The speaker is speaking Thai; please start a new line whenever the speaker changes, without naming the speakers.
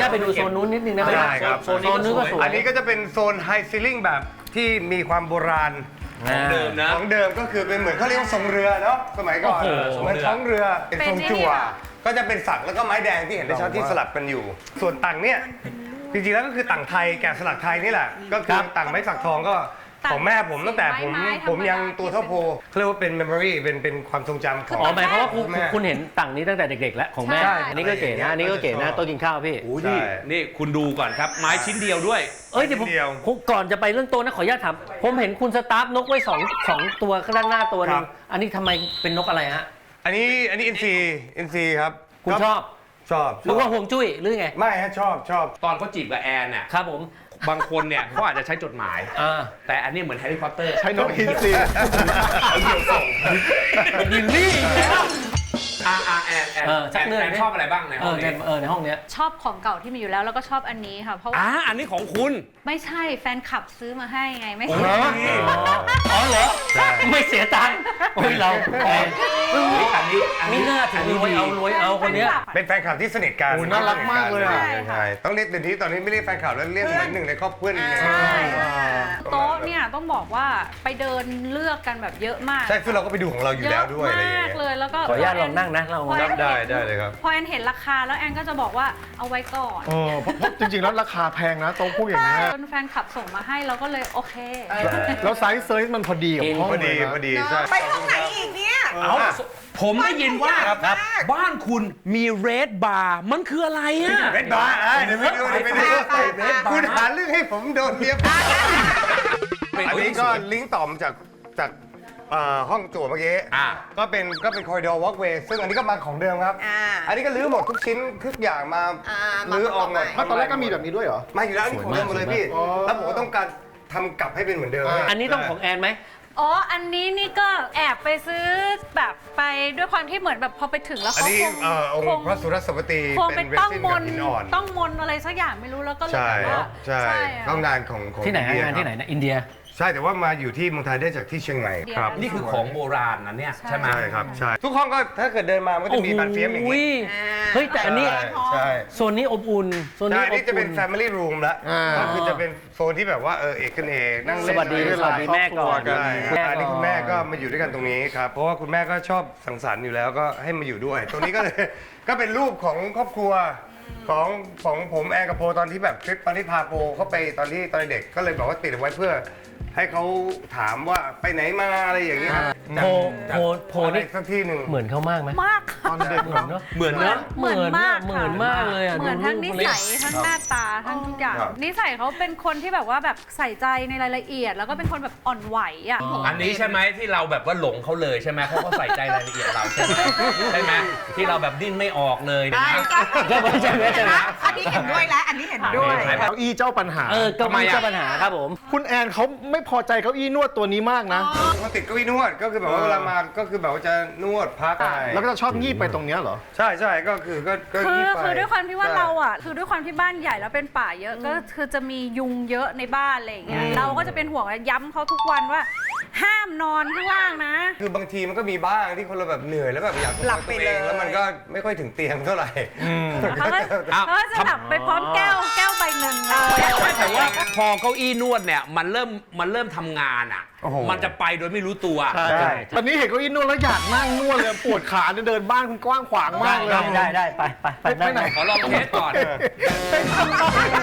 ญาตไปดูโซนนู้นนิดนึงได้ไหม
ได้ครับ
โซนนู้นก็สวย
อันนี้ก็จะเป็นโซนไฮซีลิ่งแบบที่มีความโบราณ
ของเดิมนะ
ของเดิมก็คือเป็นเหมือนเขาเรียกว่าทรงเรือเนาะสมัยก่อน
โอ้โห
เหมือนท้องเรือเป็นทรงจั่วก็จะเป็นสักแล้วก็ไม้แดงที่เห็นได้ชัดที่สลับกันอยู่ ส่วนต่างเนี่ยจริงๆแล้วก็คือต่างไทยแกะสลักไทยนี่แหละก็คือต่างไม้สักทองก็ของแม่ผมตั้งแต่ผมยังตัวเท่าโพเขาเรียกว่าเป็น memory เป็นความทรงจำของ
อ๋อหมายความว่า
แม่
คุณเห็นต่างนี้ตั้งแต่เด็กๆแล้วของแม่
ใช่
อันนี้ก็เก๋นะอันนี้ก็เก๋นะโต๊ะกินข้าวพี่
โอ้ยนี่คุณดูก่อนครับ ไม้ชิ้นเดียวด้วย
เอ้ยเดี๋ยวผมก่อนจะไปเรื่องโต๊ะนะขออนุญาตถามผมเห็นคุณสตาร์ฟนกไว้สองตัวข้างหน้าตัวนึงอันนี้ทำไมเป็นนกอะไรฮะ
อันนี้อินซีครับ
คุณชอบ
ชอบ
หรือว่าห่วงจุ้ยหรือไง
ไม่ฮะชอบ
ตอนเขาจีบกับแอนเนี่ย
ครับผม
บางคนเนี่ยเขาอาจจะใช้จดหมาย แต่อันนี้เหมือนแฮร์รี่พอตเตอร์
ใช้นกอินทรี
เอาเดี่ยวส่ง
ยินนี่แล้ว
แอน
ชักเนื่อย
แอนชอบอะไรบ้างในห้องนี้
ในห้องเนี้ย
ชอบของเก่าที่มีอยู่แล้วแล้วก็ชอบอันนี้ค่ะเพราะว่า
อันนี้ของคุณ
ไม่ใช่แฟนคลับซื้อมาให้ไงไม่
โอ้
ใช่
ย
อ๋อเหรอไม่เสียตังค์โอ้ยเรา
อันนี้
ไม่น่าถึงรวยเอาคนเนี้ย
เป็นแฟนคลับที่สนิทกัน
โอ้น่ารักมากเลยอ่ะ
ใช่ต้องเรียกเดี๋ยวนี้ตอนนี้ไม่เรียกแฟนคลับแล้วเรียกเหมือนหนึ่งในครอบครัวนึง
ใช่โต๊ะเนี่ยต้องบอกว่าไปเดินเลือกกันแบบเยอะมาก
ใช่คือเราก็ไปดูของเราอยู่แล้วด้วยอะไรอย่าง
เยอะ
เงี้
มาย กเลยแล้วก็
ขออนุญาตลองนั่งนะเรา
พอแอน
ได้เลยครับ
พอแอนเห็นราคาแล้วแอนก็จะบอกว่าเอาไว้ก่อน
เพราะจริงๆแล้วราคาแพงนะโต๊ะพวกอย่างนี้ย
จนแฟนคลับส่งมาให้เราก็เลยโอเค
แล้วไซส์เซอร์มันพอดีกับห้อง
พอ
เล
ดี
ยนะ
พอดีใช่
ไปห้องไหนอีกเนี่ย
เอาผมได้ยินว่า
ครับ
บ้านคุณมีเรดบาร์มันคืออะไรอ่ะ
เรดบาร์เดี๋ยวไปดูคุณหาเรื่องให้ผมโดนเรียบอันนี้ก็ลิงก์ต่อมาจากห้องจั่วเมื่อกี้ก็เป็นคอริดอร์วอล์กเวย์ซึ่งอันนี้ก็มาของเดิมครับ อันนี้ก็รื้อหมดทุกชิ้นทุกอย่างมารื้อออกหมด
ตอนแรกก็มีแบบนี้ด้วยเหรอ
มาอยู่แล้วอันนี้ของเดิมหมดเลยพี่แล้วผมก็ต้องการทำกลับให้เป็นเหมือนเดิม
อันนี้ต้องของแอนไหม
อ๋ออันนี้นี่ก็แอบไปซื้อแบบไปด้วยความที่เหมือนแบบพอไปถึงแล้ว
อัน
เขา
นี้องค์พระสุรสวตี
คง
เป็
เป็น น
เร
ต้อง
ซิน
ม
กับ
น
หินอ่อน
ต้องมนอะไรสักอย่างไม่รู้แล้วก็เลย
ใช่
แบบว่า
ใช่
อะ
ต้องงานของ
ที่ไหน
อิเดีย
งานที่ไหนนะอินเดีย
ใช่แต่ว่ามาอยู่ที่เมืองไทยได้จากที่เชียงใหม่ครับ
นี่คือของโบราณนะเนี่ยใช่ไหม
ใช่ครับใช่ทุกห้องก็ถ้าเกิดเดินมามันก็จะมีบานเฟียมอย่างนี้
เฮ้ยแต่อันนี้
ใช่
โซนนี้อบอุ่นโซน
ใช่
นี้
อัน
อบ
นี้จะเป็น
อุ่น
family room ละก็คือจะเป็นโซนที่แบบว่าเอกกันเองนั่ง
ส
เล่น
วัสดี
อะไร
สวัสดีแม่ก่อน
ใช่
แม่
อันนี้
ก่
คุณแม่ก็มาอยู่ด้วยกันตรงนี้ครับเพราะว่าคุณแม่ก็ชอบสังสรรค์อยู่แล้วก็ให้มาอยู่ด้วย ตรงนี้ก็เลย ก็เป็นรูปของครอบครัวของผมแอนกับโพตอนที่แบบทริปตอนที่พาโพเข้าไปตอนเด็กก็เลยบอกว่าติดเอาไว้เพื่อให้เขาถามว่าไปไหนมาอะไรอย่างเงี้ยครับ
โพ
อะไร
นี่
สักที่หนึ่ง
เหมือนเขามากไหม
มาก
ตอนเด็ก
เหมือนเนาะ
เหมือนเนอะ
เหมือนมาก
เหมือนมากเลยอ่ะ
เหมือนทั้งนิสัยทั้งหน้าตาทั้งทุกอย่างนิสัยเขาเป็นคนที่แบบว่าแบบใส่ใจในรายละเอียด แล้วก็เป็นคนแบบอ่อนไหวอ่ะ
อันนี้ใช่ไหมที่เราแบบว่าหลงเขาเลยใช่ไหมเพราะเขาใส่ใจรายละเอียดเราใช่ไหมใช่ไหมที่เราแบบดิ้นไม่ออกเลยนะ
ใช่ไหม
อันนี้เห็นด้วยแล้ว อันนี้เห็นด้วย
เก้าอี้เจ้าปัญหา
เก้าอี้เจ้าปัญหาครับผม
คุณแอนเขาไม่พอใจเก้าอี้นวดตัวนี้มากนะ
เขาติดเก้าอี้นวดก็คือแบบว่าเวลามาก็คือแบบว่าจะนวดพักอะไร
แล้วก็จะชอบงีบไปตรงเนี้ยเหรอ
ใช่ก็คือก็
คือด้วยความที่ว่าเราอ่ะคือด้วยความที่บ้านใหญ่แล้วเป็นป่าเยอะก็คือจะมียุงเยอะในบ้านอะไรอย่างเงี้ยเราก็จะเป็นห่วงย้ำเขาทุกวันว่า ห้ามนอนข้างล่างนะ
คือบางทีมันก็มีบ้างที่คนเราแบบเหนื่อยแล้วแบบอยาก
หลับไป
ตัวเอง
เลย
แล้วมันก็ไม่ค่อยถึงเตียงเท่าไหร่
เขาก็จะแบบไปพร้อมแก้วใบหนึ่งเลย
แต่ว่าพอเก้าอี้นวดเนี่ยมันเริ่มทำงานอ่ะ มันจะไปโดยไม่รู้ตัว
ใช่ตอนนี้เห็นเก้าอี้นวดแล้วอยากนั่งนวดเลยปวดขาเนี่ยเดินบ้านคุณกว้างขวางมากเลย
ได้ไป
ไปไหน
ขอลองเทสก่อน